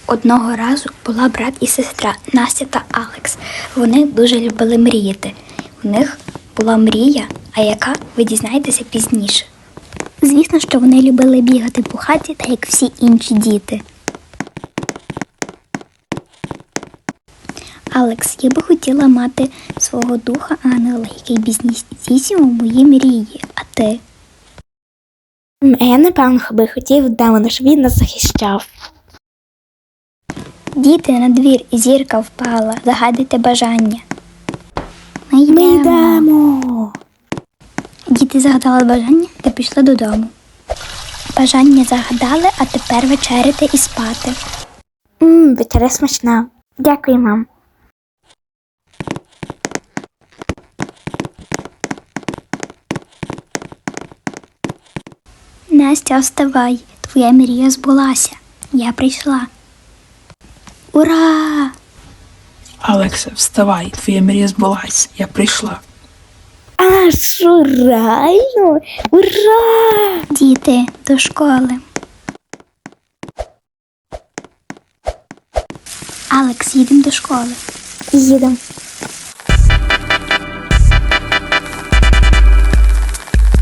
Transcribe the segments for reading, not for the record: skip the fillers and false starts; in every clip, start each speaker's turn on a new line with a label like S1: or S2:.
S1: Одного разу була брат і сестра Настя та Алекс. Вони дуже любили мріяти. У них була мрія, а яка ви дізнаєтеся пізніше. Звісно, що вони любили бігати по хаті, так як всі інші діти. Алекс, я би хотіла мати свого духа ангела, який б здійснював мої мрії. А ти?
S2: Я, напевно, би хотів демона, щоб він нас захищав.
S1: Діти, на двір, зірка впала, загадуйте бажання. Ми
S2: йдемо.
S1: Діти загадали бажання та пішли додому. Бажання загадали, а тепер вечеряти і спати.
S2: Вечеря смачна. Дякую, мам.
S1: Настя, вставай, твоя мрія збулася. Я прийшла. Ура!
S3: Алексе, вставай, твоя мрія збулась, я прийшла.
S2: А що, реально? Ура!
S1: Діти, до школи. Алекс, їдемо до школи.
S2: Їдемо.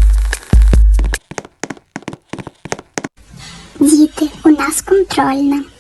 S1: Діти, у нас контрольна.